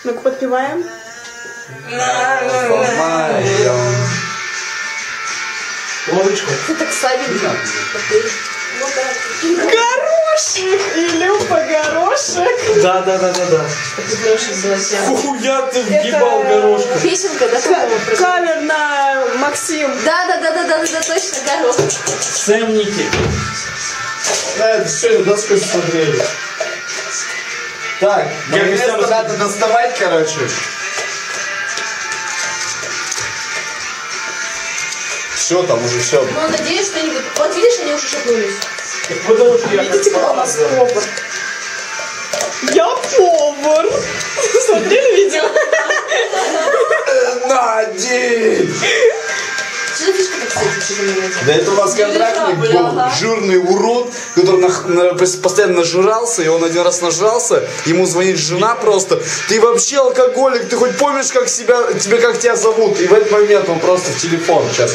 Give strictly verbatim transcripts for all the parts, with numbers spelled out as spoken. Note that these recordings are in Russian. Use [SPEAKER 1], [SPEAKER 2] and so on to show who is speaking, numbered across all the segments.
[SPEAKER 1] Ну-ка, подпеваем.
[SPEAKER 2] Ложечку.
[SPEAKER 3] Ты так слабенько.
[SPEAKER 1] Горошек! Илюха, горошек!
[SPEAKER 2] Да, да, да, да, да.
[SPEAKER 3] Горошек золотя.
[SPEAKER 2] Хуя ты въебал горошка.
[SPEAKER 3] Песенка, да, какого
[SPEAKER 1] Кавер на Максим.
[SPEAKER 3] Да, да, да, да, да, да, точно, горошек.
[SPEAKER 2] Сэмники.
[SPEAKER 4] Да, это все, доской смотрели. Так, наконец-то надо доставать, короче. Все, там уже все.
[SPEAKER 3] Ну, надеюсь, что они будут... Вот видишь, они уже шагнулись.
[SPEAKER 2] Потому что я
[SPEAKER 1] Видите, кто у нас повар? Я повар! Смотрели видео?
[SPEAKER 4] Надень!
[SPEAKER 3] Что за фишка так кстати, что-то не найдем?
[SPEAKER 4] Да это у нас контрактник был, жирный урод, который на, на, постоянно нажирался, и он один раз нажрался, ему звонит жена просто: ты вообще алкоголик, ты хоть помнишь, как себя, тебе, как тебя зовут? И в этот момент он просто в телефон сейчас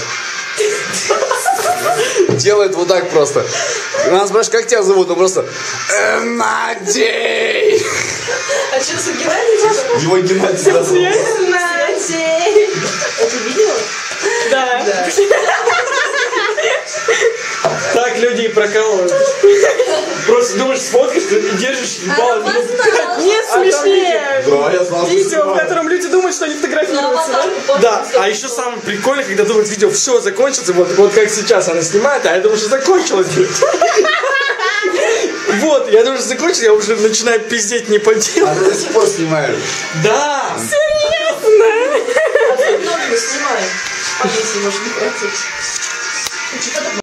[SPEAKER 4] делает вот так просто. Она спрашивает, как тебя зовут? Он просто: э, Надей!
[SPEAKER 3] А что, с Геннадием?
[SPEAKER 4] Его Геннадий сразу.
[SPEAKER 3] Надей! Это видео?
[SPEAKER 1] Да.
[SPEAKER 2] так людей прокалывают. Просто думаешь, сфоткаешь и держишь ебало минут пять.
[SPEAKER 1] Нет, смешнее.
[SPEAKER 4] Да, я знал, что
[SPEAKER 1] Видео, в
[SPEAKER 4] снимаю.
[SPEAKER 1] котором люди думают, что они фотографируются, да?
[SPEAKER 2] Да, а еще самое прикольное, когда думают, видео все закончится, вот, вот как сейчас она снимает, а я думаю, что закончилось. Вот, я думаю, что закончилось, я уже начинаю пиздеть не по делу.
[SPEAKER 4] А ты до сих пор снимаешь?
[SPEAKER 2] Да!
[SPEAKER 1] Серьезно?
[SPEAKER 3] Много снимаем. Если может не хватит.